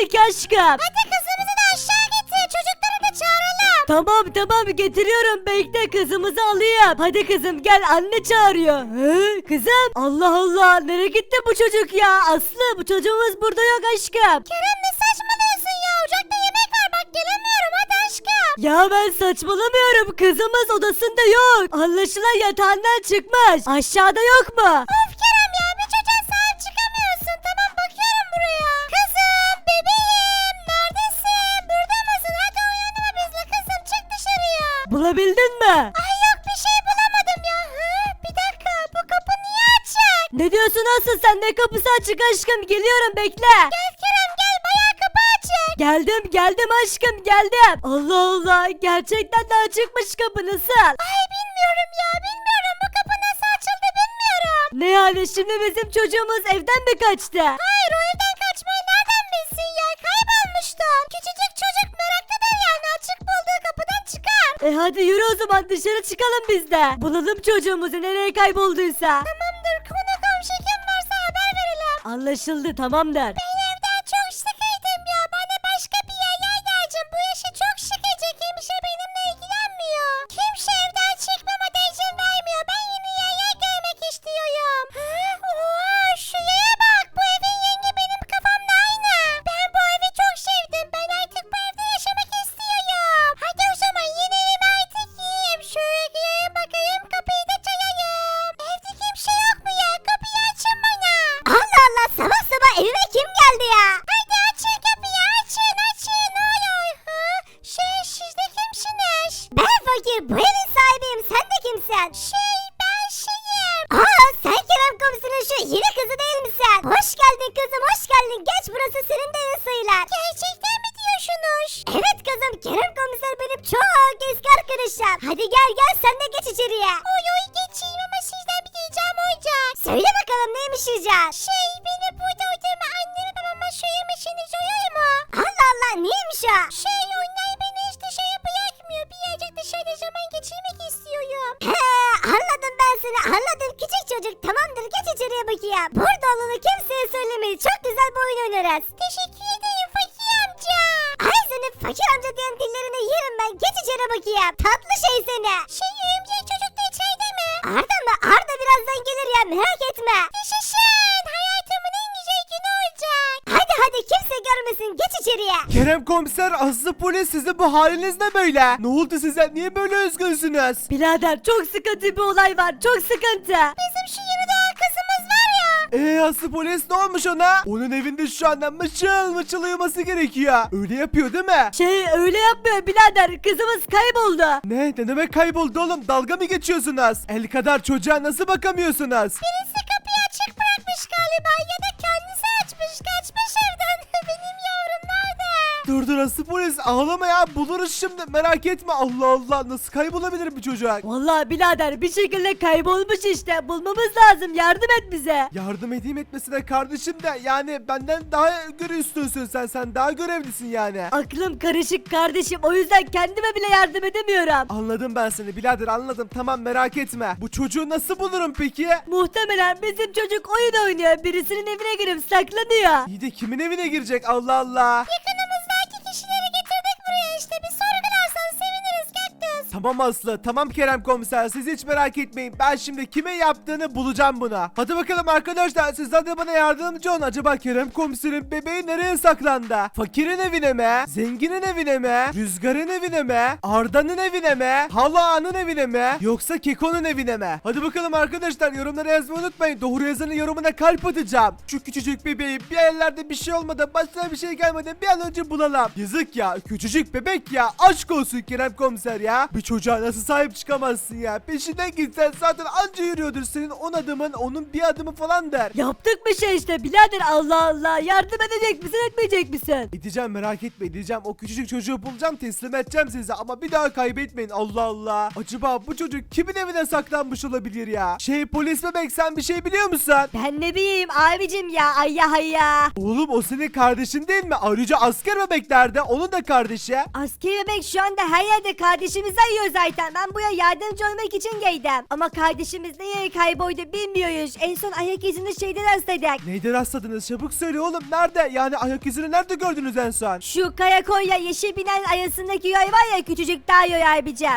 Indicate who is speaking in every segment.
Speaker 1: geldik aşkım.
Speaker 2: Hadi kızımızı da aşağı getir. Çocukları da çağıralım.
Speaker 1: Tamam getiriyorum, bekle kızımızı alayım. Hadi kızım gel, anne çağırıyor. He, kızım, Allah Allah, nereye gitti bu çocuk ya? Aslı, bu çocuğumuz burada yok aşkım.
Speaker 2: Kerem ne saçmalıyorsun ya? Ocakta yemek var bak gelemiyorum hadi aşkım.
Speaker 1: Ya ben saçmalamıyorum, kızımız odasında yok. Anlaşılan yatağından çıkmış. Aşağıda yok mu?
Speaker 2: Of Kerem ya bir çocuğa sahip çıkamıyorsun. Tamam bakıyorum buraya. Kızım bebeğim neredesin? Burada mısın? Hadi uyanma bizle kızım çık dışarıya.
Speaker 1: Bulabildin mi?
Speaker 2: Ay yok bir şey bulamadım ya. Hı? Bir dakika bu kapı niye açık?
Speaker 1: Ne diyorsun Aslı, sen ne kapısı açık aşkım, geliyorum bekle.
Speaker 2: Gel Kerem gel bayağı kapı açık.
Speaker 1: Geldim aşkım, geldim. Allah Allah, gerçekten de açıkmış kapı, nasıl?
Speaker 2: Ay bilmiyorum ya bilmiyorum bu kapı nasıl açıldı bilmiyorum.
Speaker 1: Ne yani, şimdi bizim çocuğumuz evden mi kaçtı?
Speaker 2: Hayır o evden kaçmayı nereden bilsin ya kaybolmuştu. Küçücük çocuk meraklıdır yani açık bulduğu kapıdan çıkar.
Speaker 1: Hadi yürü o zaman, dışarı çıkalım biz de. Bulalım çocuğumuzu nereye kaybolduysa.
Speaker 2: Tamamdır konu komşu kim varsa haber verelim.
Speaker 1: Anlaşıldı, tamamdır.
Speaker 2: Ben evden çok sıkıldım ya bana başka bir yer lazım. Bu yaşı çok sıkıcı kimse benimle ilgilenmiyor. Kimse evden çıkmama da izin vermiyor. Ben yeni yerler görmek istiyorum. Oha şu yere bak bu evin rengi benim kafamda aynı. Ben bu evi çok sevdim. Ben artık bu evde yaşamak istiyorum. Hadi o zaman yeni evime artık yiyeyim. Şöyle gireyim bakayım kapıyı da çalayım. Evde kimse yok mu ya? Kapıyı açın bana. Allah Allah sabah sabah evime kim geldi ya? Hadi açın kapıyı açın. Ne oluyor? Siz de kimsiniz? Ben fakir bu evin sahibiyim. Sen de kimsin? Ben şeyim. Sen Kerem komiserin şu yeni kızı değil misin? Hoş geldin kızım hoş geldin. Geç burası senin de evin sayılır. Gerçekten mi diyorsunuz? Evet kızım Kerem komiser benim çok eski arkadaşım. Hadi gel sen de geç içeriye. Oy geçeyim ama sizden bir diyeceğim olacak. Söyle bakalım neymiş rica? Beni burada odama anneme babama söylemişsiniz oluyor mu? Allah Allah neymiş o? Onlar beni hiç dışarı bırakmıyor. Birazcık dışarıda zaman geçirmek istiyorum. Anladım ben seni anladım küçük çocuk. Tamamdır geç içeriye bakayım. Burada olduğunu kimseye söylemeyin. Çok güzel bir oyun oynarız. Teşekkür ederim fakir amca. Ay senin fakir amca diyen dillerini yerim ben. Geç içeri bakayım. Tatlı şey seni. Örümcek çocuk da içeride mi? Arda mı? Arda birazdan gelir ya merak etme. Yaşasın. Hayatımın en güzel günü olacak. Hadi kimse görmesin. Geç içeriye.
Speaker 3: Kerem komiser, Aslı polis, sizin bu haliniz ne böyle? Ne oldu size? Niye böyle üzgünsünüz?
Speaker 1: Birader, çok sıkıntı bir olay var, çok sıkıntı.
Speaker 2: Bizim şu yeni doğan kızımız var ya.
Speaker 3: Aslı polis ne olmuş ona? Onun evinde şu anda mışıl uyuması gerekiyor. Öyle yapıyor değil mi?
Speaker 1: Öyle yapmıyor birader, kızımız kayboldu.
Speaker 3: Ne demek kayboldu oğlum? Dalga mı geçiyorsunuz? El kadar çocuğa nasıl bakamıyorsunuz?
Speaker 2: Birisi kapıyı açık bırakmış galiba ya da kendisi açmış kaçmış evden. Benim yavrum nerede?
Speaker 3: Dur Aslı polis, ağlama ya, buluruz şimdi, merak etme. Allah Allah, nasıl kaybolabilir bu çocuk?
Speaker 1: Vallahi birader, bir şekilde kaybolmuş işte, bulmamız lazım, yardım et bize.
Speaker 3: Yardım edeyim etmesine kardeşim de, yani benden daha üstünsün sen daha görevlisin yani.
Speaker 1: Aklım karışık kardeşim, o yüzden kendime bile yardım edemiyorum.
Speaker 3: Anladım ben seni birader, anladım, tamam merak etme. Bu çocuğu nasıl bulurum peki?
Speaker 1: Muhtemelen bizim çocuk oyun oynuyor, birisinin evine girip saklanıyor.
Speaker 3: İyi de kimin evine girecek, Allah Allah.
Speaker 2: Yakınımızdaki kişileri getirdik buraya işte bir sorgularsan seviniriz Kaktüs.
Speaker 3: Tamam Aslı, tamam Kerem komiser, siz hiç merak etmeyin. Ben şimdi kimin yaptığını bulacağım buna. Hadi bakalım arkadaşlar, sizler de bana yardımcı olun. Acaba Kerem komiserin bebeği nereye saklandı? Fakirin evine mi? Zenginin evine mi? Rüzgar'ın evine mi? Arda'nın evine mi? Hala'nın evine mi? Yoksa Keko'nun evine mi? Hadi bakalım arkadaşlar, yorumlara yazmayı unutmayın. Doğru yazanın yorumuna kalp atacağım. Şu küçücük bebeği bir yerlerde bir şey olmadan, başına bir şey gelmeden bir an önce bulalım. Yazık ya, küçücük bebek ya. Aşk olsun Kerem komiser ya. Bir çocuğa nasıl sahip çıkamazsın ya? Peşinden gitsen zaten anca yürüyordur, senin 10 adımın onun bir adımı falan der.
Speaker 1: Yaptık bir şey işte birader, Allah Allah, yardım edecek misin etmeyecek misin?
Speaker 3: Edeceğim, merak etme, edeceğim. O küçücük çocuğu bulacağım, teslim edeceğim size, ama bir daha kaybetmeyin, Allah Allah. Acaba bu çocuk kimin evine saklanmış olabilir ya? Polis bebek, sen bir şey biliyor musun?
Speaker 1: Ben ne bileyim abicim ya, ayya hayya.
Speaker 3: Oğlum o senin kardeşin değil mi? Ayrıca asker bebek nerede? Onun da kardeşi.
Speaker 1: Askeri bebek şu anda her yerde kardeşimizden giyiyor zaten. Ben buraya yardımcı olmak için geldim. Ama kardeşimiz nereye kayboldu bilmiyoruz. En son ayak izini şeyde rastladık.
Speaker 3: Neyden rastladınız? Çabuk söyle oğlum. Nerede? Yani ayak izini nerede gördünüz en son?
Speaker 1: Şu karakolla yeşil binen arasındaki yol var ya, küçücük daha yol abicim.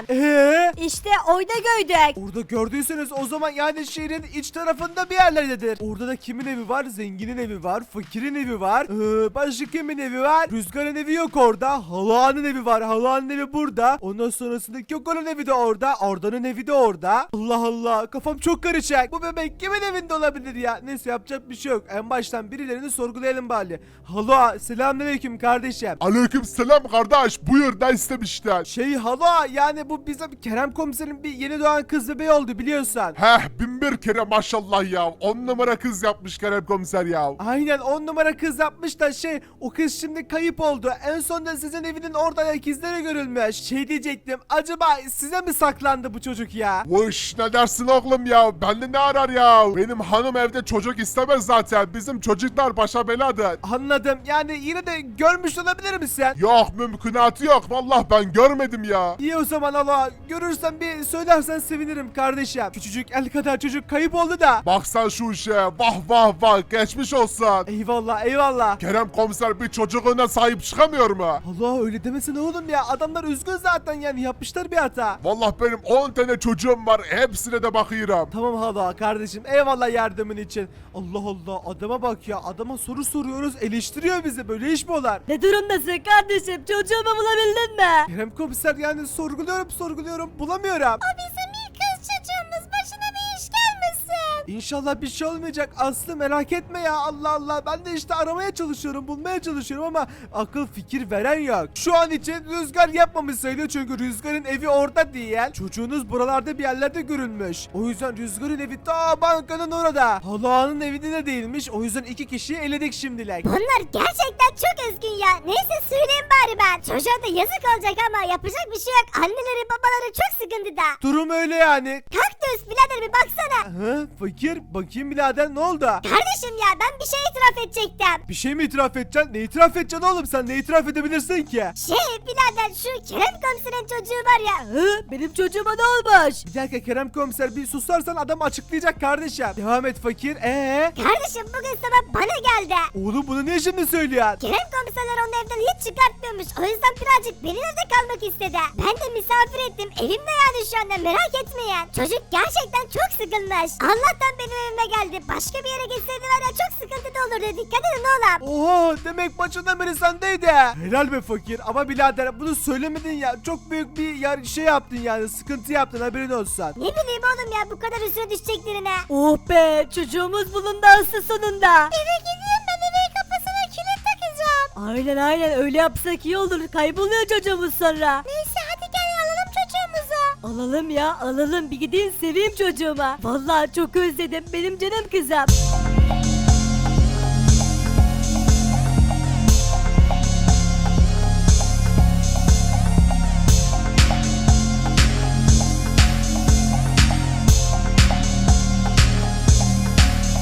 Speaker 1: İşte orada gördük.
Speaker 3: Orada gördüyseniz o zaman yani şehrin iç tarafında bir yerlerdedir. Orada da kimin evi var? Zenginin evi var. Fakirin evi var. Başka kimin evi var? Rüzgar'ın evi yok orada. Hala'nın evi var. Hala'nın evi burada. Ondan sonrasında Gökhan'ın evi de orada. Arda'nın evi de orada. Allah Allah. Kafam çok karışık. Bu bebek kimin evinde olabilir ya? Neyse yapacak bir şey yok. En baştan birilerini sorgulayalım bari. Hala selamünaleyküm kardeşim.
Speaker 4: Aleykümselam kardeş, buyur, ne istemişler?
Speaker 3: Hala yani bu bizim Kerem komiserin bir yeni doğan kız bebeği oldu biliyorsun.
Speaker 4: Heh, bin bir kere maşallah ya, 10 numara kız yapmış Kerem komiser ya.
Speaker 3: Aynen 10 numara kız yapmış da o kız şimdi kayıp oldu. En son da sizin evinin orada ayak izleri görülmüş. Diyecektim, acaba size mi saklandı bu çocuk ya?
Speaker 4: Vuş, ne dersin oğlum ya, bende ne arar ya? Benim hanım evde çocuk istemez zaten, bizim çocuklar başa beladır.
Speaker 3: Anladım, yani yine de görmüş olabilir misin?
Speaker 4: Yok, mümkünatı yok, vallahi ben görmedim ya.
Speaker 3: İyi o zaman Allah, görürsen bir söylersen sevinirim kardeşim. Küçücük el kadar çocuk kayıp oldu da.
Speaker 4: Bak sen şu işe, vah vah vah, geçmiş olsun.
Speaker 3: Eyvallah eyvallah.
Speaker 4: Kerem komiser bir çocuğuna sahip çıkamıyor mu?
Speaker 3: Allah öyle demesene oğlum ya, adamlar üzgün zaten yani, yapmışlar bir hata.
Speaker 4: Vallahi benim 10 tane çocuğum var, hepsine de bakıyorum.
Speaker 3: Tamam hala kardeşim, eyvallah yardımın için. Allah Allah, adama bak ya, adama soru soruyoruz eleştiriyor bizi, böyle iş mi olur?
Speaker 1: Ne durumdasın kardeşim? Çocuğumu bulabildin mi?
Speaker 3: Kerem komiser yani sorguluyorum bulamıyorum.
Speaker 2: Bizim ilk kız çocuğumuz, başına bir iş gelmesin.
Speaker 3: İnşallah bir şey olmayacak Aslı, merak etme ya, Allah Allah, ben de işte aramaya çalışıyorum, bulmaya çalışıyorum ama akıl fikir veren yok. Şu an için Rüzgar yapmamış sayılıyor çünkü Rüzgar'ın evi orada değil. Çocuğunuz buralarda bir yerlerde görülmüş. O yüzden Rüzgar'ın evi ta bankanın orada. Hala'nın evinde de değilmiş, o yüzden 2 kişiyi eledik şimdilik.
Speaker 2: Bunlar gerçekten çok üzgün ya. Neyse söyleyeyim bari ben. Çocuğa da yazık olacak ama yapacak bir şey yok. Anneleri babaları çok sıkıntıda.
Speaker 3: Durum öyle yani.
Speaker 2: Kaktüs birader bir baksana.
Speaker 3: Fakir, bakayım birader, ne oldu?
Speaker 2: Kardeşim ya ben bir şey itiraf edecektim.
Speaker 3: Bir şey mi itiraf edeceksin? Ne itiraf edeceksin oğlum, sen ne itiraf edebilirsin ki?
Speaker 2: Birader şu Kerem komiserin çocuğu var ya.
Speaker 1: Benim çocuğuma ne olmuş?
Speaker 3: Bir dakika Kerem komiser, bir susarsan adam açıklayacak kardeşim. Devam et fakir.
Speaker 2: Kardeşim bugün sabah bana geldi.
Speaker 3: Oğlum bunu niye şimdi söylüyorsun?
Speaker 2: Kerem komiserler onu evden hiç çıkartmıyormuş. O yüzden birazcık benim evde kalmak istedi. Ben de misafir ettim. Evimde yani şu anda, merak etmeyin. Çocuk gerçekten çok sıkılmış. Allah'tan benim evime geldi. Başka bir yere gitseydi var ya, çok sıkıntıda olurdu. Dikkat edin oğlum.
Speaker 3: Oha, demek başından beri sendeydi. Helal be fakir, ama birader bunu söylemedin ya, çok büyük bir şey yaptın yani, sıkıntı yaptın, haberin olsun.
Speaker 2: Ne bileyim oğlum ya, bu kadar üstüne düşeceklerine.
Speaker 1: Oh be, çocuğumuz bulundu aslı sonunda.
Speaker 2: Eve gideyim, ben evin kapısına kilit takacağım.
Speaker 1: Aynen öyle yapsak iyi olur. Kayboluyor çocuğumuz sonra.
Speaker 2: Neyse hadi gel alalım çocuğumuzu.
Speaker 1: Alalım ya, alalım, bir gideyim seveyim çocuğuma. Vallahi çok özledim benim canım kızım.